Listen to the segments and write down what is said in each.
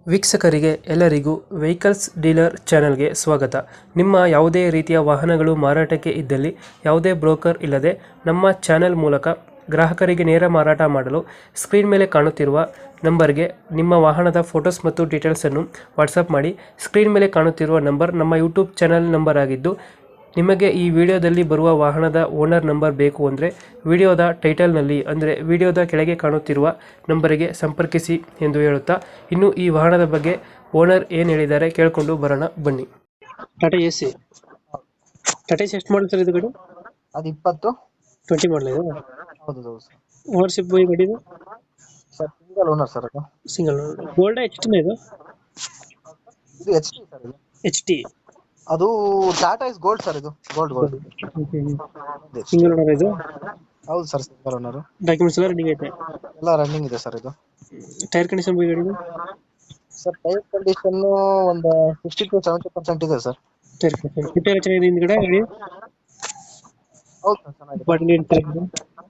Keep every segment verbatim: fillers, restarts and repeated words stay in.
ವೀಕ್ಷಕರಿಗೆ ಎಲ್ಲರಿಗೂ vehicles dealer ಚಾನೆಲ್ಗೆ ಸ್ವಾಗತ. ನಿಮ್ಮ ಯಾವುದೇ ರೀತಿಯ ವಾಹನಗಳು ಮಾರಾಟಕ್ಕೆ ಇದ್ದಲ್ಲಿ ಯಾವುದೇ ಬ್ರೋಕರ್ ಇಲ್ಲದೆ ನಮ್ಮ ಚಾನೆಲ್ ಮೂಲಕ ಗ್ರಾಹಕರಿಗೆ ನೇರ ಮಾರಾಟ ಮಾಡಲು ಸ್ಕ್ರೀನ್ ಮೇಲೆ ಕಾಣುತ್ತಿರುವ ನಂಬರ್ಗೆ ನಿಮ್ಮ ವಾಹನದ ಫೋಟೋಸ್ ಮತ್ತು ಡೀಟೇಲ್ಸನ್ನು ವಾಟ್ಸಪ್ ಮಾಡಿ. ಸ್ಕ್ರೀನ್ ಮೇಲೆ ಕಾಣುತ್ತಿರುವ ನಂಬರ್ ನಮ್ಮ ಯೂಟ್ಯೂಬ್ ಚಾನೆಲ್ ನಂಬರ್ ಆಗಿದ್ದು, ನಿಮಗೆ ಈ ವಿಡಿಯೋದಲ್ಲಿ ಬರುವ ವಾಹನದ ಓನರ್ ನಂಬರ್ ಬೇಕು ಅಂದರೆ ವಿಡಿಯೋದ ಟೈಟಲ್ನಲ್ಲಿ ಅಂದರೆ ವಿಡಿಯೋದ ಕೆಳಗೆ ಕಾಣುತ್ತಿರುವ ನಂಬರಿಗೆ ಸಂಪರ್ಕಿಸಿ ಎಂದು ಹೇಳುತ್ತಾ, ಇನ್ನು ಈ ವಾಹನದ ಬಗ್ಗೆ ಓನರ್ ಏನು ಹೇಳಿದ್ದಾರೆ ಕೇಳಿಕೊಂಡು ಬರೋಣ ಬನ್ನಿ. Tata A C Tata A C ಎಷ್ಟು ಮಾಡಲ್ ಸರ್ ಇದು ಗಾಡಿ? ಅದು ಇಪ್ಪತ್ತು ಟ್ವೆಂಟಿ ಮಾಡಲ್ ಇದು. ಹೌದು ಹೌದು ಸರ್. ಓನರ್ಶಿಪ್ ಈ ಗಾಡಿ ಸರ್ ಸಿಂಗಲ್ ಓನರ್ ಸರ್ ಅದು. ಸಿಂಗಲ್. ಗೋಲ್ಡ್ ಎಚ್ ಟಿ ಇದು? ಇದು ಎಚ್ ಟಿ ಸರ್. ಇದು ಎಚ್ ಟಿ. ಅದು ಟಾಟಾ ಇಸ್ ಗೋಲ್ಡ್ ಸರ್. ಇದು ಗೋಲ್ಡ್ ಗೋಲ್ಡ್ ಸಿಂಗಲ್ ಓನರ್ ಇದು? ಹೌದು ಸರ್ ಸಿಂಗಲ್ ಓನರ್. ಡಾಕ್ಯುಮೆಂಟ್ಸ್ ಎಲ್ಲ ರನ್ನಿಂಗ್ ಐತೆ? ಎಲ್ಲ ರನ್ನಿಂಗ್ ಇದೆ ಸರ್. ಇದು ಟೈರ್ ಕಂಡೀಷನ್ ಈ ಗಾಡಿ ಸರ್ ಟೈರ್ ಕಂಡೀಷನ್ ಒಂದು ಸಿಕ್ಸ್ಟಿ ಟು ಸೆವೆಂಟಿ ಪರ್ಸೆಂಟ್ ಇದೆ ಸರ್. ಟೈರ್ ಕಂಡೀಷನ್ ಪುಟ್ಟ ರಚನೆ ಇದೆ ಹಿಂದ್ಗಡೆ ಗಾಡಿ? ಹೌದು ಸರ್ ಚೆನ್ನಾಗಿದೆ. ಬಾಡಿ ಏನು ಚೆನ್ನಾಗಿದೆ?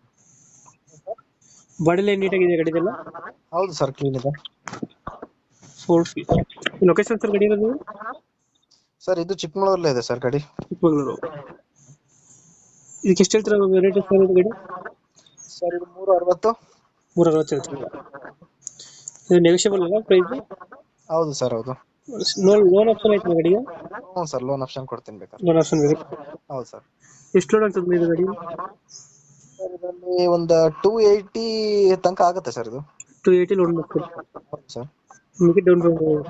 ಬಾಡಿ ಲೈನ್ ನೀಟಾಗಿದೆ ಗಾಡಿದೆಲ್ಲ? ಹೌದು ಸರ್ ಕ್ಲೀನ್ ಇದೆ. ಫೋರ್ ಲೊಕೇಶನ್ ಸರ್ ಗಾಡಿ ಇರೋದು? ಸರ್ ಇದು ಚಿಕ್ಕಮಗಳೂರಲ್ಲೇ ಇದೆ ಸರ್ ಗಾಡಿ. ಚಿಕ್ಕಮಗಳೂರು. ಇದಕ್ಕೆ ಎಷ್ಟು ಹೇಳ್ತೀರಾ ರೇಟ್ ಸರ್ ಇದು ಗಾಡಿ? ಸರ್ ಇದು ಮೂರು ಅರವತ್ತು. ಮೂರ ಅರವತ್ತು ಹೇಳ್ತೀರಾ? ಇದು ನೆಗೋಷಿಯಬಲ್ ಅಲ್ಲ ಪ್ರೈಸ್? ಹೌದು ಸರ್ ಹೌದು. ಲೋನ್ ಲೋನ್ ಆಪ್ಷನ್ ಐತೆ ಗಾಡಿಗೆ? ಹ್ಞೂ ಸರ್ ಲೋನ್ ಆಪ್ಷನ್ ಕೊಡ್ತೀನಿ ಬೇಕಾದ್ರೆ. ಲೋನ್ ಆಪ್ಷನ್ ಬೇಕು. ಹೌದು ಸರ್. ಎಷ್ಟು ಲೋನ್ ಆಗ್ತದೆ ಇದು ಗಾಡಿ? ಸರ್ ಇದರಲ್ಲಿ ಒಂದು ಟೂ ಏಯ್ಟಿ ತನಕ ಆಗುತ್ತೆ ಸರ್. ಇದು ಟು ಏಯ್ಟಿ ಲೋನ್ ಬೇಕು. ಹೌದು ಸರ್. ನಿಮಗೆ ಡೌನ್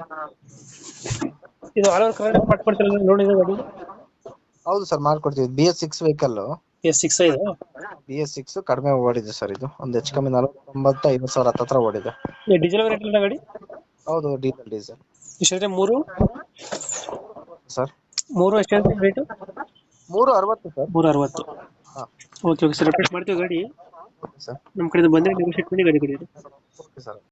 ಇದು ಆಲ್ ಓವರ್ ಕರ್ನಾಟಕ ಮಾಡ್ಕೊಡ್ತೀರಾ ಲೋನ್ ಇದೆ ಗಾಡಿ? ಹೌದು ಸರ್ ಮಾಡ್ಕೊಡ್ತೀವಿ. B S six vehicle. S six ಇದು? ಬಿ ಎಸ್ ಸಿಕ್ಸ್ ಕಡಿಮೆ ಓಡಿದೆ ಸರ್. ಇದು ಒಂದು ಹೆಚ್ಚು ಕಮ್ಮಿ ನಲವತ್ತೊಂಬತ್ತು ಐವತ್ತು ಸಾವಿರ ಹತ್ತತ್ರ ಓಡಿದೆ. ಡೀಸೆಲ್ ರೇಟ್ ಇಲ್ಲ ಗಾಡಿ? ಹೌದು ಡೀಸೆಲ್ ಡೀಸೆಲ್. ಎಷ್ಟಿದೆ? ಮೂರು ಸರ್ ಮೂರು ಎಷ್ಟು ರೇಟು? ಮೂರು ಅರವತ್ತು ಸರ್. ಮೂರು ಅರವತ್ತು. ಹಾಂ ಓಕೆ ಓಕೆ ಸರ್, ರಿಪೇರ್ ಮಾಡ್ತೀವಿ ಗಾಡಿ. Okay sir. ನಮ್ಮ ಕಡೆಯಿಂದ ಬಂದರೆ ನೆಗೋಷಿಯೇಟ್ ಮಾಡಿ ಗಾಡಿ ಕೊಡಿ. Okay sir.